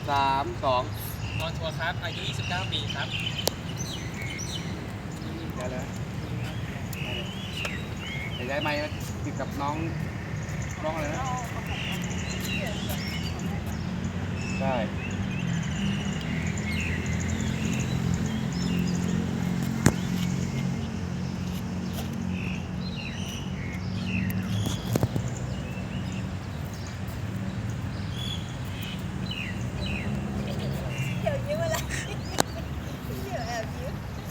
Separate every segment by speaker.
Speaker 1: 3 2
Speaker 2: นอนทัวร์ครับอายุ29 ปีครับ
Speaker 1: ได้เลยเดี๋ยวย้ายไมค์มาติดกับน้องอะไรนะใช่
Speaker 3: เดี๋ยวยิ้มอะไรเดี๋ยวแอบยิ้ม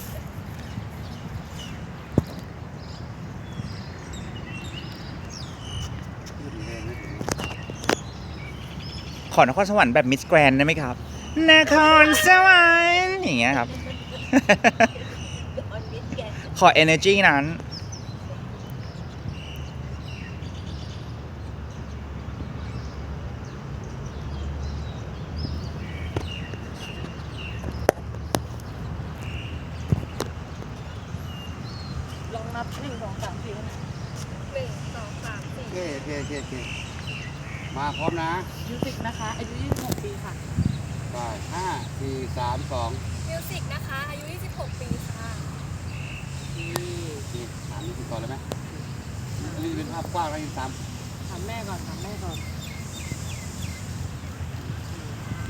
Speaker 4: ขอนครสวรรค์แบบมิสแกรนได้ไหมครับนครสวรรค์อย่างเงี้ยครับ
Speaker 3: ออนมิดแกน
Speaker 4: ขอ energy นั้น
Speaker 5: ลองนับ1 2 3 4
Speaker 3: 1 2 3 4
Speaker 1: โอเคมาพร้อมนะ
Speaker 5: มิวสิกนะคะอายุ26 ปีค่ะ
Speaker 1: ไป5 4 3 2
Speaker 3: มิวสิกนะคะอายุ 26 ปีค่ะ
Speaker 1: นี่ถามนี่คุณก่อนเลยไหมอันนี้เป็นภาพกว้างแล้วอีก3
Speaker 5: ถามแม่ก่อน